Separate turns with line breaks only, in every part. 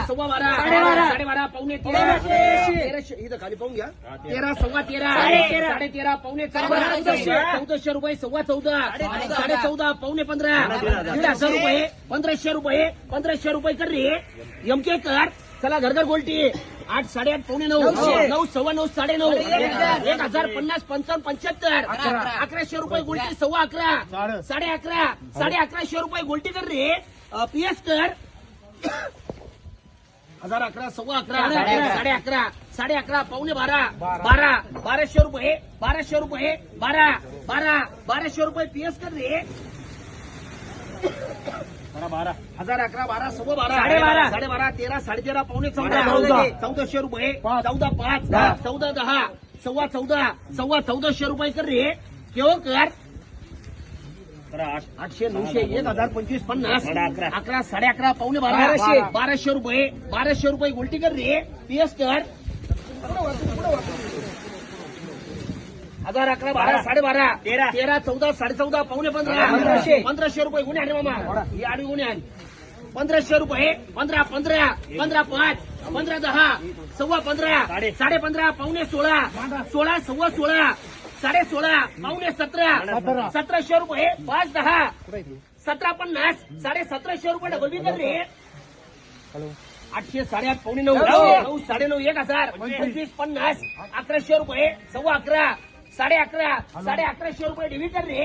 सव्वा बारा, 12.5 पावणे 13, 1300 इथं खाली पाहून घ्या. 13 सव्वा 13, 13.5 पावणे 1400 रुपये सव्वा 14, 14.5 पावणे 15, 1,500 रुपये, 1,500 रुपये, 1,500 रुपये कर रे एमके कर. चला घरघर गोल्टी 8, 8.5 पावणे 9, 9 सव्वा 9, 9.5, 1,050, 55, 75, 1,100 रुपये गोल्टी सव्वा 11, 11.5, 1150 रुपये गोल्टी कर रे पीएस कर. 1,011 सव्वा 11, 11.5, 11.5 पावणे 12, 1200 रुपये, 1200 रुपये, 1200 रुपये पीएस कर रे. 1,011, 12 सव्वा 12, 12.5, 13, 13.5 पावणे 14, 1,400 रुपये, 14.5, 14.10, सव्वा 14, सव्वा 1,400 रुपये कर रे केव्हा कर. 800, 900, 1,025, 50, 11, 11.5 पावणे 12, 1200 रुपये, 1200 रुपये गोल्टी कर रे पीएस कर. 1,011, 12, 12.5, 13, 14, 14.5 पावणे 15, 1,500 रुपये गुन्हे आले मामा ही आडी गुन्हे आली. 1,500 रुपये, 15, 15, 15.5, 15.10, सव्वा 15, 15.5 पावणे 16, 16 सव्वा 16, 16.5 पावणे 17, 1,700 रुपये, 5.10, 17.50, 1750 रुपये डबल बी कर रे. 800, 8.5 पावणे 9, 9, 9.5, 1,000, 25, 50, 1,100 रुपये, सव्वा 11, 11.5, 1150 रुपये डिव्ही कर रे.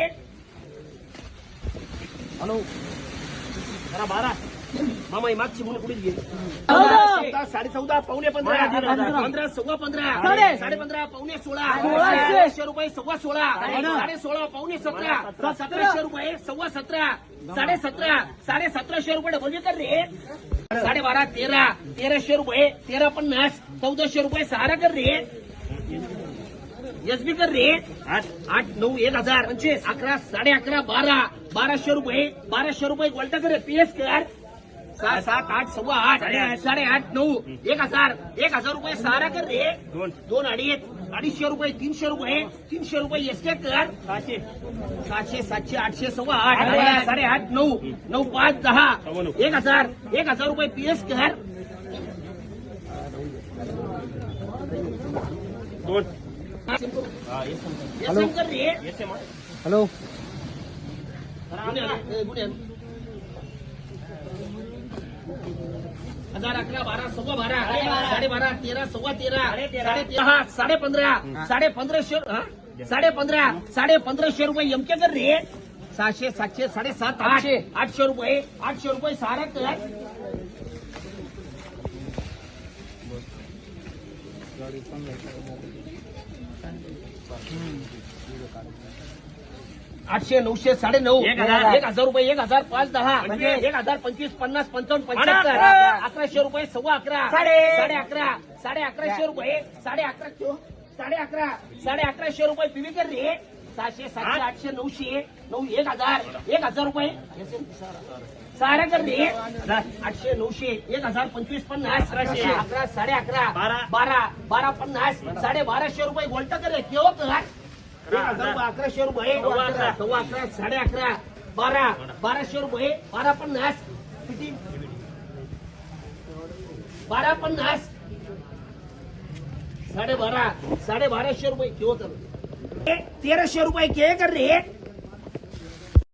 हॅलो 12 मामा ही मागची म्हणून कुठे गेली. 14.5 पावणे 15, 15 सव्वा 15, 15.5 पावणे 16, 1,600 रुपये सव्वा 16, 16.5 पावणे 17, 1,700 रुपये सव्वा 17, 17.5, 1750 रुपये डबल कर रे. 12.5, 13, 1,300 रुपये, 13.50, 1,400 रुपये सहारा कर रे. एसबी कर रे. 8, 9, 1,000, 25, 11, 11.5, 12, 1,200 रुपये, 1,200 रुपये गोल्टा कर पीएस कर. 7, 8, सव्वा 8, 8.5, 9, 1,000, 1,000 रुपये सहारा कर रे. 2, 2.5, 250 रुपये, 300 रुपये, 300 रुपये एसके कर. 700, 700, 800 सव्वा 8, 8.5, 9, 9, 5, 10, 1,000, 1,000 रुपये पीएस कर. 2 हॅलो कर रे. हॅलो 1,011, 12 सव्वा 12, 12.5, 13 सव्वा 13, 13.5, 15.5, 15.5, 15.5 रुपये एमके कर रे. 600, 700, 7.5, 800 रुपये, 800 रुपये सहारा कर. 800, 900, 9.5, 1,000 रुपये, 1,000, 5, 10, 1,000, 25, 50, 55, 75, 1,100 रुपये सव्वा 11, 11.5, 1150 रुपये, 11.5 रुपये पीवी कर रे. 600, 700, 800, 900, 1,000, 1,000 रुपये सहारा कर रे. 800, 900, 1,000, 25, 50, 11, 11.5, 12, 12.50, 12.5 रुपये गोल्टा कर रे केव्हा कर. 1,100 रुपये, 11, 11.5, 12, 1200 रुपये, 12.50 किती 12.50, 12.5, 12.5 रुपये केव्हा कर. 1,300 रुपये के कर रे.